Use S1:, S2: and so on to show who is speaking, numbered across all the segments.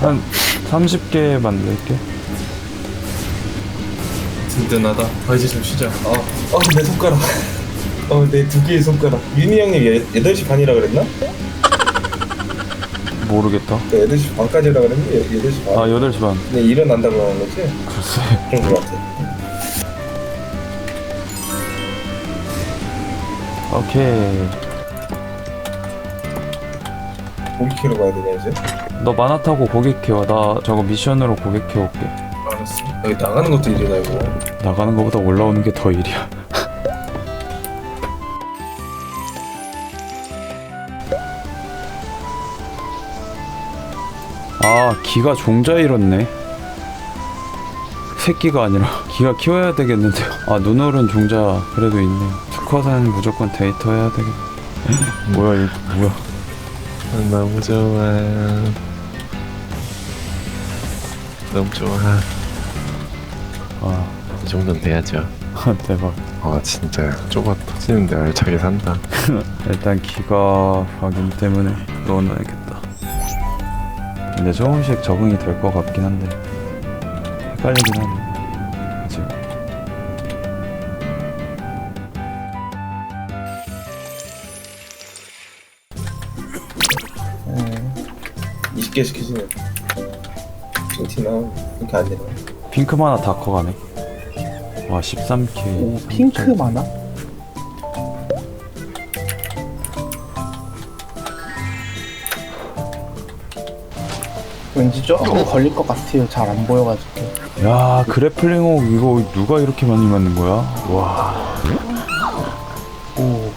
S1: 한 30개 만들게.
S2: 든든하다. 이제 좀 쉬자. 내 손가락. 내 두 개의 손가락. 윤희 형님 8시 반이라 그랬나?
S1: 모르겠다.
S2: 8시 반까지라 그랬는데 8시 반.
S1: 8시 반.
S2: 네, 일어난다고 하는 거지?
S1: 글쎄.
S2: 그런 거 같아.
S1: 오케이.
S2: 고기 캐러 가야 되냐 이제?
S1: 너 만화 타고 고객 키워. 나 저거 미션으로 고객 키워올게.
S2: 알았어. 여기 나가는 것도 일이다 이거.
S1: 나가는 것보다 올라오는 게 더 일이야. 아, 기가 종자 잃었네. 새끼가 아니라 기가 키워야 되겠는데요. 아, 눈오른 종자 그래도 있네요. 특화사는 무조건 데이터 해야 되겠네. 뭐야 이거 뭐야.
S3: 너무 좋아. 너무 좋아.
S1: 아,
S3: 이 정도는 돼야죠.
S1: 대박.
S3: 진짜 좁아 터지는데 알차게 산다.
S1: 일단 기가 확인 때문에 넣어놔야겠다. 근데 조금씩 적응이 될 것 같긴 한데 헷갈리긴 하네 지금.
S2: 20개 시키시네. 핑티나 이렇게 안 내려.
S1: 핑크 만화 다 커가네. 와 13K.
S4: 오, 핑크 많아? 왠지 조금 걸릴 것 같아요. 잘 안 보여가지고.
S1: 야 그래플링옥 이거 누가 이렇게 많이 만든 거야? 와.
S4: 오,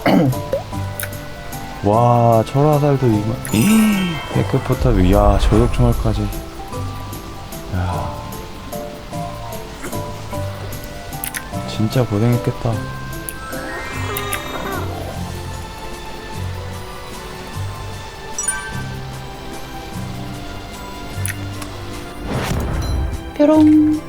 S1: 와 철화살도 이거. 백크포탑. 야 저격총알까지. 야 진짜 고생했겠다.
S5: 뾰롱.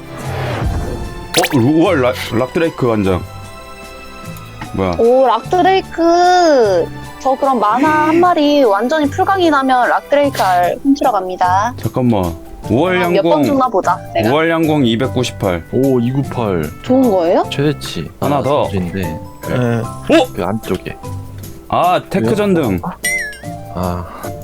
S1: 우와 락드레이크 관장. 뭐야?
S5: 오, 락드레이크. 저 그럼 만화 한 마리 완전히 풀강이 나면 락드레이크 알 훔치러 갑니다.
S1: 잠깐만. 5월
S5: 몇 번
S1: 양공.
S5: 죽나 보자. 내가.
S1: 5월 양공 298.
S3: 오 298
S5: 좋은 거예요?
S3: 최대치.
S1: 하나 더.
S3: 인데
S4: 예.
S3: 그 안쪽에.
S1: 아 테크 전등.
S3: 아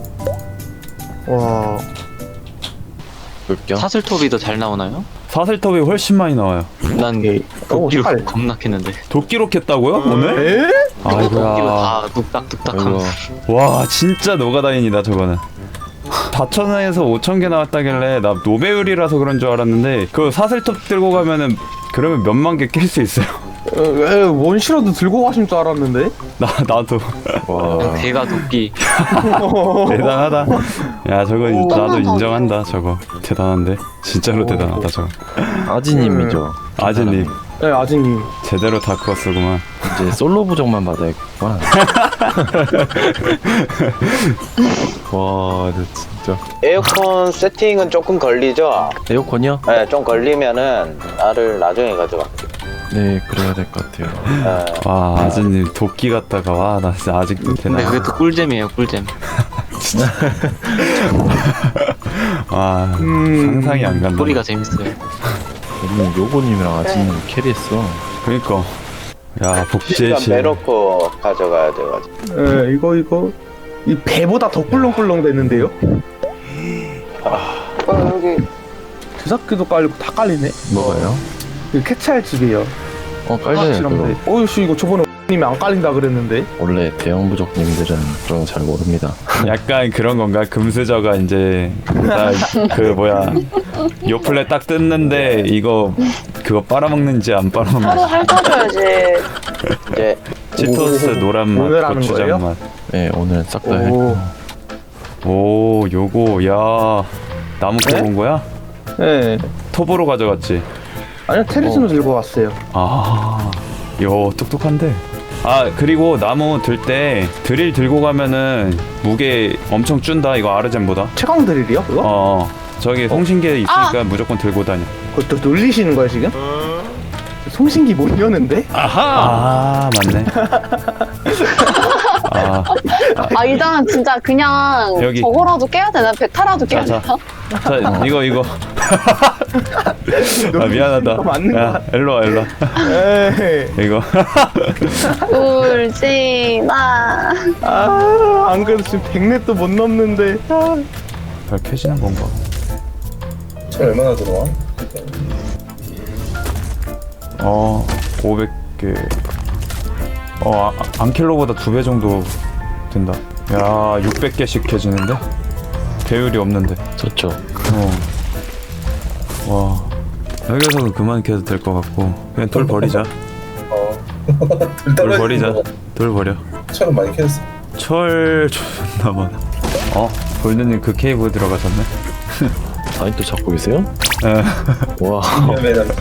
S4: 와,
S3: 물격.
S6: 사슬톱이 더 잘 나오나요?
S1: 사슬톱이 훨씬 많이 나와요.
S6: 난
S4: 오,
S6: 도끼로
S4: 살.
S6: 겁나 캤는데
S1: 도끼로 캤다고요? 오늘?
S4: 에?
S6: 도끼로
S1: 아이고야.
S6: 다 뚝딱뚝딱함.
S3: 아이고.
S1: 와 진짜 노가다인이다 저거는. 4,000원에서 5,000개 나왔다길래 나 노배율이라서 그런 줄 알았는데 그 사슬톱 들고 가면은 그러면 몇만 개 낄 수 있어요.
S4: 원시라도 들고 가신 줄 알았는데?
S1: 나도
S3: 와.
S6: 대가 도끼.
S1: 대단하다. 야 저거
S5: 오.
S1: 나도 인정한다 저거. 대단한데 진짜로 대단하다 저거.
S3: 아지님이죠.
S1: 아지님
S4: 네, 아직님.
S1: 제대로 다 크었구만.
S3: 이제 솔로 부족만 받아야겠구나. 와 진짜.
S7: 에어컨 세팅은 조금 걸리죠?
S3: 에어컨이요?
S7: 네, 좀 걸리면은 나를 나중에 가져갈게요.
S3: 네 그래야 될 것 같아요.
S7: 네.
S1: 와 아지님 도끼 같다가 와 나 진짜 아직도
S6: 근데
S1: 대단하다.
S6: 그게 또 꿀잼이에요, 꿀잼.
S1: 와 상상이 안 간다.
S6: 소리가 재밌어요.
S3: 우리는 요고님이랑 아지님 캐리했어.
S1: 그니까 야 복제실.
S7: 일단 매놓고 가져가야 돼가지고.
S4: 예, 이거. 이 배보다 더 꿀렁꿀렁 됐는데요?
S7: 여기
S4: 주사기도 깔리고 다 깔리네?
S3: 뭐가요?
S4: 이 캐치할 집이에요.
S3: 깔려요 그거.
S4: 확실한데. 어이씨, 이거 저번에 님이 안 깔린다 그랬는데?
S3: 원래 대형 부족님들은 그런 거 잘 모릅니다.
S1: 약간 그런 건가? 금수저가 이제 그 뭐야 요플레 딱 뜯는데 이거 그거 빨아먹는지 안
S5: 서로
S1: 빨아먹는지.
S5: 핥아줘야지.
S7: 이제
S1: 치토스 노란 맛,
S4: 오늘 하는
S1: 고추장
S4: 거예요?
S1: 맛.
S3: 네 오늘 싹 다
S4: 오.
S1: 오 요거 야 나무
S4: 네?
S1: 캐본 거야?
S4: 예.
S1: 톱으로 가져갔지.
S4: 아니요, 테리스로 들고 왔어요.
S1: 아, 요 똑똑한데. 아 그리고 나무 들 때 드릴 들고 가면은 무게 엄청 준다. 이거 아르젠보다.
S4: 최강 드릴이요? 그거?
S1: 저기 송신기에 있으니까 무조건 들고 다녀.
S4: 그것도 놀리시는 거야, 지금? 송신기 못 여는데?
S1: 아 맞네. 아
S5: 아 일단 진짜 그냥
S1: 여기.
S5: 저거라도 깨야 되나? 베타라도 깨야
S1: 자,
S5: 되나?
S1: 자, 이거. 아, 미안하다.
S4: 이거 맞는 거
S1: 야, 일로와.
S4: 에이.
S1: 이거.
S5: 울지 마.
S4: 안 그래도 지금 100렙도 못 넘는데.
S1: 잘 켜지는 건가?
S2: 철 얼마나 들어와?
S1: 500개. 안킬로보다 2배 정도 된다. 야, 600개씩 켜지는데? 배율이 없는데.
S3: 좋죠.
S1: 와. 여기서는 그만 켜도 될 것 같고. 그냥 돌 버리자. 돌 버리자. 돌 버려.
S2: 철은 많이 캐졌어.
S1: 철 존나 많아. 골드님 그 케이브 들어가셨네?
S3: 아직도 찾고 계세요?
S1: 에.
S3: 와.
S2: 위험해 남자.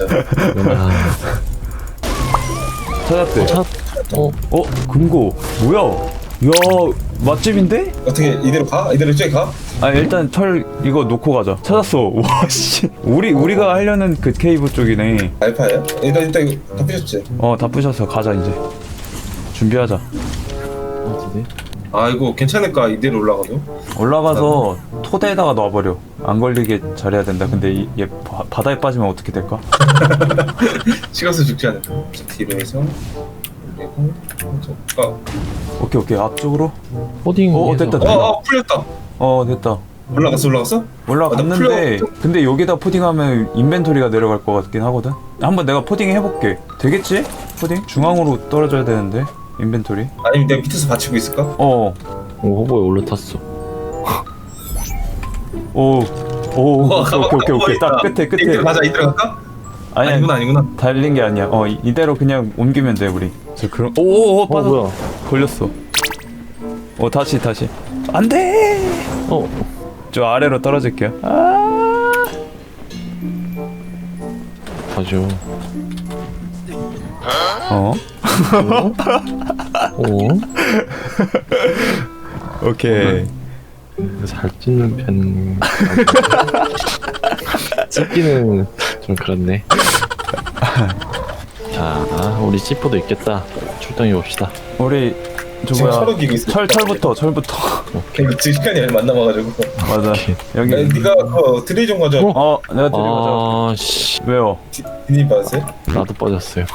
S1: 찾았대.
S3: 어?
S1: 금고. 뭐야? 야, 맛집인데?
S2: 어떻게 이대로 가? 이대로 이쪽에 가?
S1: 아, 일단 철 이거 놓고 가자. 찾았어. 와, 씨. 우리가 하려는 그 케이브 쪽이네.
S2: 알파예요? 일단 이거 다 부셨지?
S1: 다 부셔서 가자, 이제. 준비하자.
S3: 어디지?
S2: 아 이거 괜찮을까? 이대로 올라가도?
S1: 올라가서 토대에다가 놔버려. 안 걸리게 잘해야 된다. 근데 얘 바다에 빠지면 어떻게 될까?
S2: 식어서 죽지 않을까? 뒤로 해서 그리고
S1: 오케이. 앞쪽으로.
S3: 코딩.
S1: 됐다.
S2: 풀렸다.
S1: 됐다.
S2: 올라갔어?
S1: 올라갔는데
S2: 풀려.
S1: 근데 여기다 포딩하면 인벤토리가 내려갈 것 같긴 하거든. 한번 내가 포딩 해볼게. 되겠지? 포딩? 중앙으로 떨어져야 되는데 인벤토리.
S2: 아니면 내가 밑에서 받치고 있을까?
S3: 오, 호보에 올라탔어.
S1: 오케이. 딱 끝에.
S2: 맞아 이대로 갈까?
S1: 아니,
S2: 아니구나.
S1: 달린 게 아니야. 이대로 그냥 옮기면 돼 우리. 저 그럼. 오, 빠져.
S3: 뭐야?
S1: 걸렸어. 다시. 안 돼. 저 아래로 떨어질게요.
S3: 가죠.
S1: 오케이.
S3: 잘 찢는 편. 찢기는 좀 그렇네. 자, 우리 C4도 있겠다. 출동해 봅시다.
S1: 우리
S2: 지금
S1: 저거야.
S2: 철을 기고 있어.
S1: 철부터.
S2: 지금 시간이 얼마 안 남아가지고.
S1: 맞아.
S3: 오케이.
S1: 여기.
S2: 네가 그 드릴 좀 가져.
S1: 내가 드리고
S3: 씨.
S1: 왜요?
S2: 비닐 받으세요?
S3: 나도 빠졌어요.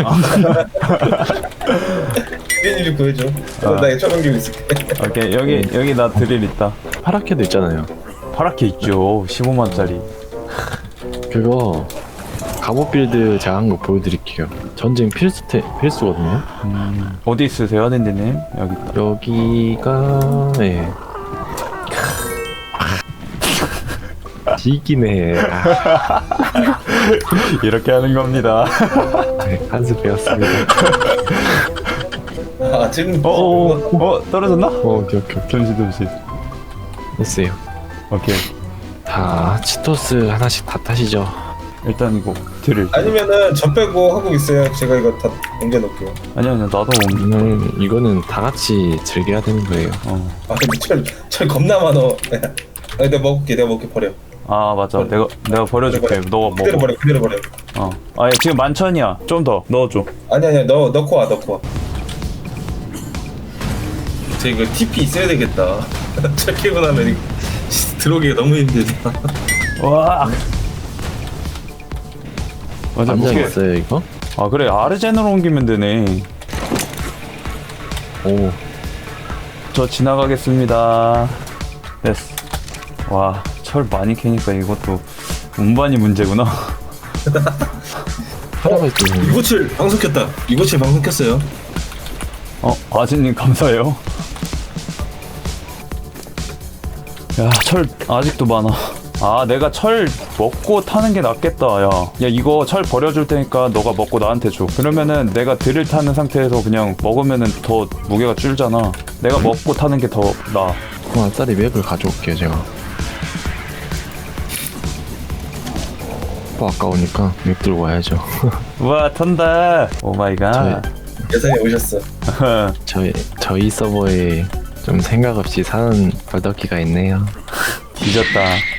S2: 비닐 좀 구해줘. 나 철 옮기고 있을게.
S1: 오케이. 여기 나 드릴 있다.
S3: 파랗게도 있잖아요.
S1: 파랗게 있죠. 15만짜리.
S3: 그거 갑옷 빌드 제가 한 거 보여드릴게요. 전쟁 필수거든요.
S1: 어디 있으세요, 댄디님? 여기 있다.
S3: 여기가 네. 지기네.
S1: 이렇게 하는 겁니다.
S3: 네, 한수 배웠습니다.
S2: 지금
S1: 떨어졌나?
S3: 오케이.
S1: 잠시.
S3: 됐어요.
S1: 오케이.
S3: 자, 치토스 하나씩 다 타시죠.
S1: 일단 이거 드릴.
S2: 아니면은 저 빼고 하고 있어요. 제가 이거 다 옮겨놓을게요.
S1: 아니야, 나도
S3: 이거는 다 같이 즐겨야 되는 거예요.
S2: 근데 철 겁나 많어. 내가 먹을게 버려.
S1: 맞아. 내가 버려줄게. 너가 먹어.
S2: 그대로 버려.
S1: 얘 지금 11,000이야. 좀 더 넣어줘.
S2: 아니야, 넣고 와. 저 이거 TP 있어야 되겠다. 철 캐고 나면 이거 들어오기가 너무 힘들다.
S1: 와. 맞아.
S3: 안장
S1: 무게.
S3: 있어요 이거?
S1: 그래. 아르젠으로 옮기면 되네.
S3: 오,
S1: 저 지나가겠습니다. 됐어. 와, 철 많이 캐니까 이것도 운반이 문제구나.
S3: 하나가 있죠.
S2: 이고칠 방송 켰다. 이고칠 방송 켰어요.
S1: 아진님 감사해요. 야, 철 아직도 많아. 내가 철 먹고 타는 게 낫겠다. 야, 이거 철 버려줄 테니까 너가 먹고 나한테 줘. 그러면은 내가 드릴 타는 상태에서 그냥 먹으면은 더 무게가 줄잖아. 내가 먹고 타는 게 더 나아.
S3: 그럼 딸이 맵을 가져올게요 제가. 아까우니까 맵 들고 와야죠.
S1: 우와, 탄다. 오 마이 갓.
S2: 예상에 오셨어.
S3: 저희 서버에 좀 생각 없이 사는 벌떡기가 있네요.
S1: 뒤졌다.